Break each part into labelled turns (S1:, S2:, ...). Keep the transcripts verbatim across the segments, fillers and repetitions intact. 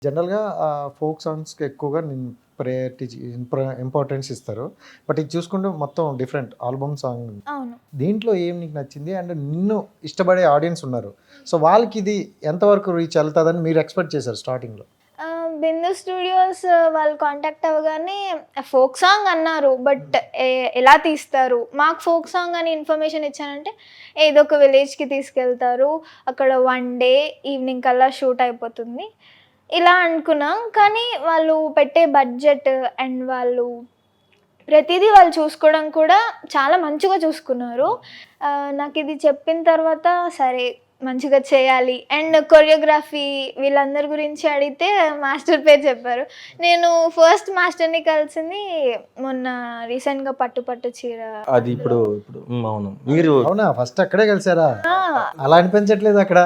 S1: జనరల్గా ఫోక్ సాంగ్స్కి ఎక్కువగా నేను ప్రయారిటీ ఇంపార్టెన్స్ ఇస్తారు. బట్ ఇది చూసుకుంటే మొత్తం డిఫరెంట్ ఆల్బమ్ సాంగ్.
S2: అవును.
S1: దీంట్లో ఏం నీకు నచ్చింది అండ్ నిన్ను ఇష్టపడే ఆడియన్స్ ఉన్నారు, సో వాళ్ళకి ఇది ఎంతవరకు రీచ్ వెళ్తుందని మీరు ఎక్స్పెక్ట్ చేశారు స్టార్టింగ్లో?
S2: ఆ, బిందు స్టూడియోస్ వాళ్ళు కాంటాక్ట్ అవ్వగానే ఫోక్ సాంగ్ అన్నారు, బట్ ఎలా తీస్తారు, మాకు ఫోక్ సాంగ్ అని ఇన్ఫర్మేషన్ ఇచ్చానంటే ఏదో ఒక విలేజ్కి తీసుకెళ్తారు, అక్కడ వన్ డే ఈవినింగ్ కల్లా షూట్ అయిపోతుంది ఇలా అనుకున్నాం. కానీ వాళ్ళు పెట్టే బడ్జెట్ అండ్ వాళ్ళు ప్రతిదీ వాళ్ళు చూసుకోవడం కూడా చాలా మంచిగా చూసుకున్నారు. ఆ, నాకు ఇది చెప్పిన తర్వాత సరే మంచిగా చేయాలి. అండ్ కొరియోగ్రఫీ వీళ్ళందరి గురించి అడిగితే మాస్టర్ పేరు చెప్పారు. నేను ఫస్ట్ మాస్టర్ని కలిసింది మొన్న రీసెంట్గా పట్టు పట్టు చీర.
S3: అది ఇప్పుడు ఇప్పుడు ఉమ్, అవును మీరు
S1: అవునా, ఫస్ట్ అక్కడే కలిసారా?
S2: ఆ,
S1: అలా అనిపించట్లేదు అక్కడ?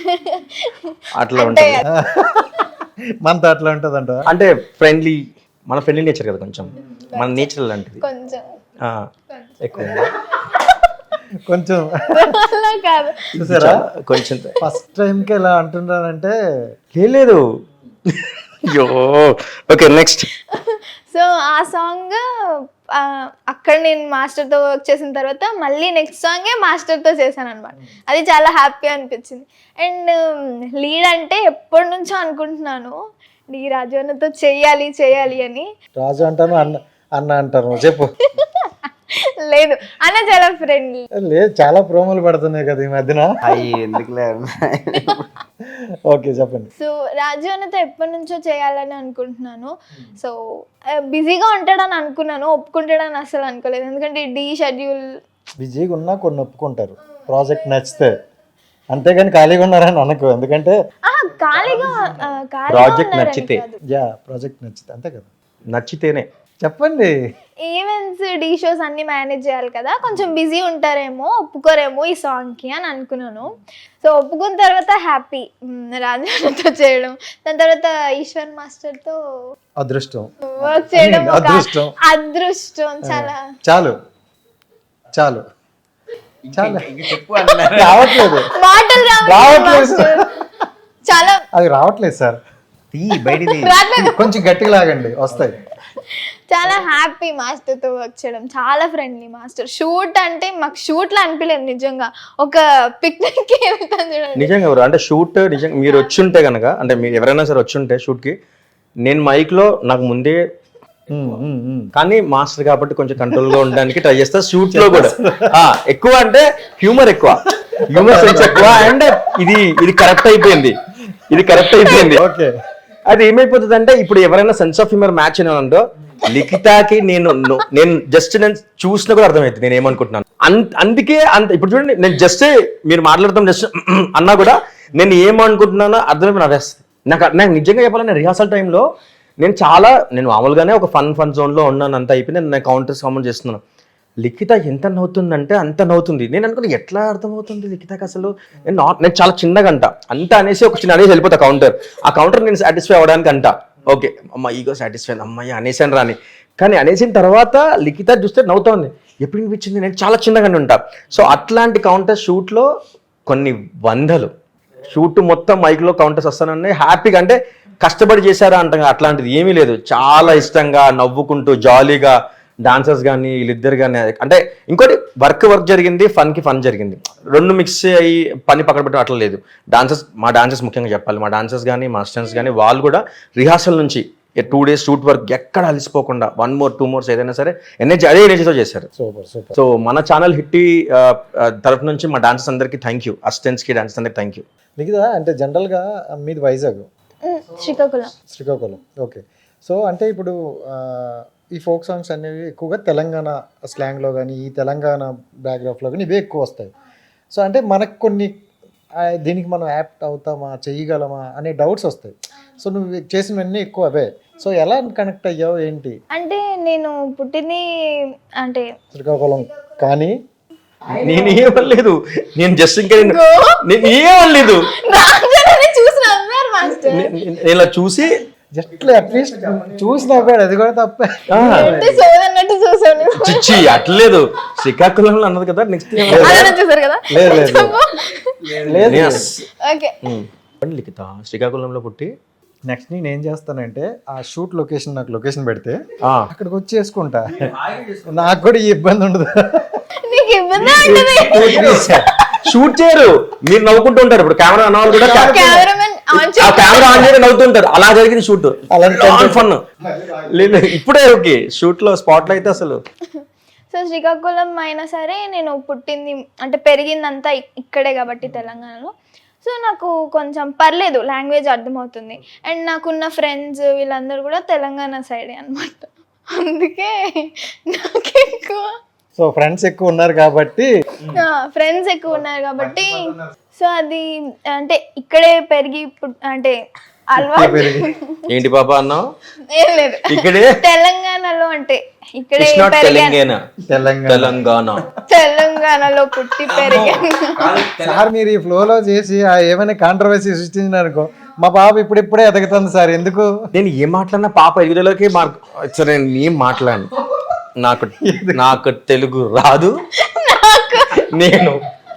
S3: అట్లా
S2: అంటే
S3: ఉంటుంది
S1: మనతో అట్లా ఉంటుంది అంట.
S3: అంటే ఫ్రెండ్లీ, మన ఫ్రెండ్లీ నేచర్ కదా, కొంచెం మన నేచర్ లాంటిది.
S2: కొంచెం
S3: ఆ, ఎక్కువ
S1: కొంచెం
S2: అలా కాదు.
S1: చూసారా,
S3: కొంచెం
S1: ఫస్ట్ టైంకి ఇలా అంటున్నారంటే
S3: ఏం లేదు. అయ్యో ఓకే నెక్స్ట్.
S2: సో ఆ సాంగ్ అక్కడ నేను మాస్టర్తో వర్క్ చేసిన తర్వాత మళ్ళీ నెక్స్ట్ సాంగే మాస్టర్తో చేశాను అనమాట. అది చాలా హ్యాపీ అనిపించింది. అండ్ లీడ్ అంటే ఎప్పటి నుంచో అనుకుంటున్నాను, డి రాజు అన్నతో చెయ్యాలి చెయ్యాలి అని.
S1: రాజు అంటాను, అన్న అన్న అంటాను, చెప్పు.
S2: లేదు అన్న చాలా ఫ్రెండ్లీ.
S1: లేదు, చాలా ప్రోమోలు పడుతున్నాయి కదా ఈ మధ్యన.
S3: అయ్యి ఎందుకులే.
S1: ఓకే చెప్పండి.
S2: సో రాజు అన్నతో ఎప్పటి నుంచో చేయాలని అనుకుంటున్నాను. సో బిజీగా ఉంటాడని అనుకున్నాను, ఒప్పుకుంటాడని అసలు అనుకోలేదు. ఎందుకంటే డి షెడ్యూల్
S1: బిజీగా ఉన్నా కొన్ని ఒప్పుకుంటారు ప్రాజెక్ట్ నచ్చితే, అంతేగాని ఖాళీగా ఉన్నారని అనుకో. ఎందుకంటే
S2: ఖాళీగా
S3: ప్రాజెక్ట్ నచ్చితే,
S1: యా ప్రాజెక్ట్ నచ్చితే అంతే కదా.
S3: నచ్చితేనే
S1: చెప్పండి.
S2: ఈవెంట్స్ డీ షోస్ అన్ని మేనేజ్ చేయాలి కదా, కొంచెం బిజీ ఉంటారేమో, ఒప్పుకోరేమో ఈ సాంగ్కి అని అనుకున్నాను. సో ఒప్పుకున్న తర్వాత హ్యాపీ రాజాతో చేయడం, దాని తర్వాత ఈశ్వర్ మాస్టర్తో
S1: అదృష్టం
S2: వర్క్ చేయడం ఒక
S1: అదృష్టం.
S2: అదృష్టం. చాలా
S1: చాలు చాలు చాలు
S3: చెప్పు.
S1: రావట్లేదు
S2: మాటలు రావట్లేదు
S1: రావట్లేదు.
S2: మాస్టర్. చాలా
S1: అవి రావట్లేదు సార్,
S3: బయటిది
S2: రావట్లేదు.
S1: కొంచెం గట్టిగా లాగండి వస్తాయి.
S2: చాలా హ్యాపీ మాస్టర్తో వర్క్ చేయడం, చాలా ఫ్రెండ్లీ మాస్టర్. షూట్ అంటే మాకు షూట్లో అనిపించలేదు, నిజంగా ఒక పిక్నిక్కి వెళ్తాను చూడండి.
S3: నిజంగా ఎవరు అంటే షూట్ నిజంగా మీరు వచ్చి ఉంటే కనుక, అంటే మీరు ఎవరైనా సరే వచ్చి ఉంటే షూట్కి, నేను మైక్లో నాకు ముందే,
S1: ఉమ్, ఉమ్, ఉమ్.
S3: కానీ మాస్టర్ కాబట్టి కొంచెం కంట్రోల్గా ఉండడానికి ట్రై చేస్తా. షూట్ లో కూడా ఆ, ఎక్కువ అంటే హ్యూమర్ ఎక్కువ, హ్యూమర్ సెన్స్ ఎక్కువ. అండ్ ఇది ఇది కరెక్ట్ అయిపోయింది, ఇది కరెక్ట్ అయిపోయింది.
S1: ఓకే,
S3: అది ఏమైపోతుంది అంటే, ఇప్పుడు ఎవరైనా సెన్స్ ఆఫ్ హ్యూమర్ మ్యాచ్ అయినంటో లిఖితాకి నేను నేను జస్ట్ నేను చూసినా కూడా అర్థమవుతుంది నేను ఏమనుకుంటున్నాను. అందుకే అంత ఇప్పుడు చూడండి, నేను జస్ట్ మీరు మాట్లాడతాం జస్ట్ అన్నా కూడా నేను ఏమనుకుంటున్నానో అర్థమైపోయి నవ్వేస్తుంది నాకు. నాకు నిజంగా చెప్పాలంటే రిహార్సల్ టైంలో నేను చాలా నేను మామూలుగానే ఒక ఫన్ ఫన్ జోన్లో ఉన్నాను, అంత అయిపోయింది. నేను కౌంటర్స్ కామెంట్ చేస్తున్నాను. లిఖిత ఎంత నవ్వుతుందంటే అంత నవ్వుతుంది. నేను అనుకున్నా ఎట్లా అర్థమవుతుంది లిఖితకి అసలు. నేను నాట్ నేను చాలా చిన్నగా అంట అంత అనేసి ఒక చిన్న అనేసి వెళ్ళిపోతా కౌంటర్. ఆ కౌంటర్ నేను సాటిస్ఫై అవ్వడానికి అంట, ఓకే అమ్మ ఈగో సాటిస్ఫై అమ్మాయి అనేసాను రాని. కానీ అనేసిన తర్వాత లిఖిత చూస్తే నవ్వుతా ఉంది. ఎప్పుడు అనిపించింది నేను చాలా చిన్నగానే ఉంటా. సో అట్లాంటి కౌంటర్ షూట్లో కొన్ని వందలు షూట్ మొత్తం మైక్లో కౌంటర్స్ వస్తానన్నాయి. హ్యాపీగా అంటే కష్టపడి చేశారా అంట, అట్లాంటిది ఏమీ లేదు. చాలా ఇష్టంగా నవ్వుకుంటూ జాలీగా డాన్సర్స్ కానీ వీళ్ళిద్దరు కానీ. అంటే ఇంకోటి వర్క్ వర్క్ జరిగింది, ఫన్కి ఫన్ జరిగింది, రెండు మిక్స్ అయ్యి పని పక్కన పెట్టడం అట్లా లేదు. డాన్సర్స్ మా డాన్సర్స్ ముఖ్యంగా చెప్పాలి, మా డాన్సర్స్ కానీ మా స్టూడెంట్స్ కానీ వాళ్ళు కూడా రిహార్సల్ నుంచి టూ డేస్ షూట్ వర్క్ ఎక్కడ అలసిపోకుండా వన్ మోర్ టూ మోర్స్ ఏదైనా సరే ఎనర్జీ అదే ఎనర్జీతో చేశారు.
S1: Super super.
S3: సో మన ఛానల్ హిట్టి తరఫు నుంచి మా డాన్సర్స్ అందరికీ థ్యాంక్ యూ, అసిస్టెంట్స్కి డాన్సర్స్ అందరికీ థ్యాంక్ యూ.
S1: మిగతా అంటే జనరల్గా మీది వైజాగ్,
S2: శ్రీకాకుళం.
S1: శ్రీకాకుళం. ఓకే, సో అంటే ఇప్పుడు ఈ ఫోక్ సాంగ్స్ అనేవి ఎక్కువగా తెలంగాణ స్లాంగ్లో కానీ ఈ తెలంగాణ బ్యాక్గ్రౌండ్లో కానీ ఇవే ఎక్కువ వస్తాయి. సో అంటే మనకు కొన్ని దీనికి మనం యాప్ట్ అవుతామా, చేయగలమా అనే డౌట్స్ వస్తాయి. సో నువ్వు చేసినవన్నీ ఎక్కువ అవే. సో ఎలా కనెక్ట్ అయ్యావు ఏంటి?
S2: అంటే నేను పుట్టింది అంటే
S1: శ్రీకాకుళం, కానీ
S3: నేను ఏమనలేదు, నేను జస్ట్ ఇంకా నేను ఏమనలేదు,
S2: చూసి నవ్వారు మాస్టర్.
S3: నేను ఇలా చూసి
S1: జస్ట్ అట్లీస్ట్ చూసి నవ్వాడు, అది కూడా తప్పే.
S2: సోదన్నట్టు చూసాను.
S3: చిచ్చి అట్లేదు, శ్రీకాకుళంలో అన్నది కదా. నెక్స్ట్
S2: చూసారు కదా.
S1: లేదు లేదు లేదు.
S2: ఓకే.
S3: లిఖిత శ్రీకాకుళంలో పుట్టి
S1: నెక్స్ట్ నేను ఏం చేస్తానంటే ఆ షూట్ లొకేషన్ నాకు లొకేషన్ పెడితే
S3: ఆ,
S1: అక్కడికి వచ్చి చేసుకుంటా, నాకు కూడా ఈ ఇబ్బంది ఉండదు.
S2: నీకు ఇబ్బంది ఉంటుంది.
S3: షూట్ చేయరు, మీరు నవ్వుకుంటూ ఉంటారు. ఇప్పుడు కెమెరా అన్న వాళ్ళు కూడా
S2: కెమెరామెన్ ఆన్
S3: ఆ కెమెరా ఆన్ చేయడం నవ్వుతుంటారు. అలా జరిగింది షూట్,
S1: అలాంటి
S3: ఫన్ లేదు. ఇప్పుడే ఓకే, షూట్ లో స్పాట్ లో అయితే అసలు
S2: సో శ్రీకాకుళం అయినా సరే నేను పుట్టింది అంటే పెరిగిందంతా ఇక్- ఇక్కడే కాబట్టి తెలంగాణలో. సో నాకు కొంచెం పర్లేదు, లాంగ్వేజ్ అర్థమవుతుంది. అండ్ నాకున్న ఫ్రెండ్స్ వీళ్ళందరూ కూడా తెలంగాణ సైడే అనమాట. అందుకే నాకు ఎక్కువ
S1: సో ఫ్రెండ్స్ ఎక్కువ ఉన్నారు కాబట్టి
S2: ఫ్రెండ్స్ ఎక్కువ ఉన్నారు కాబట్టి సో అది అంటే ఇక్కడే పెరిగి పుట్- అంటే అలవాటు
S3: ఏంటి పాపా అన్నావు?
S2: ఏం లేదు,
S3: ఇక్కడే
S2: తెలంగాణలో అంటే ఇక్కడే
S3: ఇట్స్ నాట్
S2: పెరిగాను,
S3: తెలంగాణ,
S1: తెలంగాణ.
S3: తెలంగాణ.
S2: తెలంగాణలో పుట్టి పెరిగాను.
S1: సార్ మీరు ఈ ఫ్లోలో చేసి ఆ ఏమైనా కాంట్రవర్సీ సృష్టించినారనుకో, మా బాబు ఇప్పుడిప్పుడే ఎదగుతుంది సార్, ఎందుకు?
S3: నేను ఏం మాట్లాడినా పాప ఎదుగుదలకి మార్క్ సరే, నేను ఏం మాట్లాడను. నాకు నాకు తెలుగు రాదు, నేను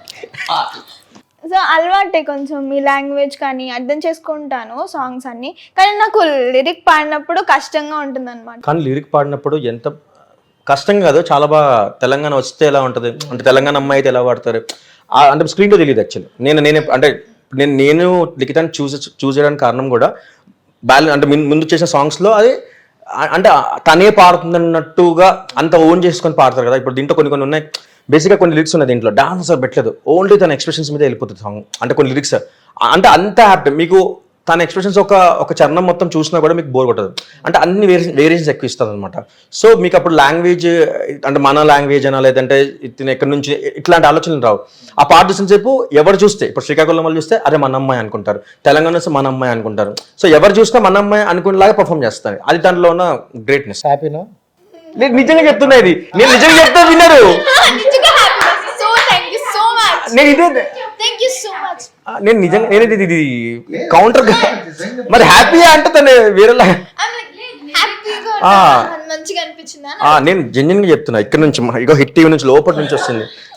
S2: సో అలవాటే కొంచెం ఈ లాంగ్వేజ్ కానీ అర్థం చేసుకుంటాను సాంగ్స్ అన్ని, కానీ నాకు లిరిక్ పాడినప్పుడు కష్టంగా ఉంటుంది అనమాట.
S3: కానీ లిరిక్ పాడినప్పుడు ఎంత కష్టం కాదు, చాలా బాగా తెలంగాణ వస్తే ఎలా ఉంటుంది అంటే తెలంగాణ అమ్మాయి అయితే ఎలా పాడతారు ఆ- అంటే స్క్రీన్లో తెలియదు యాక్చువల్లీ. నేను నేను అంటే నేను నేను లిఖితాన్ని చూసి చూస్ చేయడానికి కారణం కూడా బ్యాలెన్స్ అంటే ముందు- ముందు చేసిన సాంగ్స్లో అది ఆ- అంటే తనే పాడుతుందన్నట్టుగా అంత ఓన్ చేసుకొని పాడతారు కదా. ఇప్పుడు దీంట్లో కొన్ని కొన్ని ఉన్నాయి, బేసిక్గా కొన్ని లిరిక్స్ ఉన్నాయి దీంట్లో, డాన్స్ అసలు పెట్టలేదు, ఓన్లీ తన ఎక్స్ప్రెషన్స్ మీద వెళ్ళిపోతుంది సాంగ్. అంటే కొన్ని లిరిక్స్ అంటే అంత హ్యాపీ, మీకు తన ఎక్స్ప్రెషన్స్ ఒక ఒక చరణం మొత్తం చూసినా కూడా మీకు బోర్ కొట్టదు. అంటే అన్ని వేరియేషన్ వేరియేషన్స్ ఎక్కువ ఇస్తుంది అనమాట. సో మీకు అప్పుడు లాంగ్వేజ్ అంటే మన లాంగ్వేజ్ అనా లేదంటే ఇతను ఎక్కడి నుంచి ఇట్లాంటి ఆలోచనలు రావు. ఆ పాట చూసిన సేపు ఎవరు చూస్తే ఇప్పుడు శ్రీకాకుళం వాళ్ళు చూస్తే అరే మన అమ్మాయి అనుకుంటారు, తెలంగాణ వస్తే మన అమ్మాయి అనుకుంటారు. సో ఎవరు చూసినా మన అమ్మాయి అనుకునేలాగా పర్ఫామ్ చేస్తారు, అది దాంట్లో ఉన్న గ్రేట్నెస్.
S1: హ్యాపీనా?
S3: నేను నిజంగా చెప్తున్నా, ఇది నేను నిజంగా చెప్తా విన్నారు.
S2: So thank you so much,
S3: నేను ఇదే
S2: థ్యాంక్ యూ సో మచ్.
S3: ఆ, నేను నిజంగా నేను ఇది ఇది కౌంటర్ మరి హ్యాపీ అంటే తను వేరేలా
S2: హ్యాపీగా
S3: ఆ.
S2: మంచిగా అనిపించిందా?
S3: ఆ, నేను జెన్యున్ గా చెప్తున్నా, ఇక్కడ నుంచి మా- ఇగో హిట్ టీవీ నుంచి లోపల నుంచి వస్తుంది.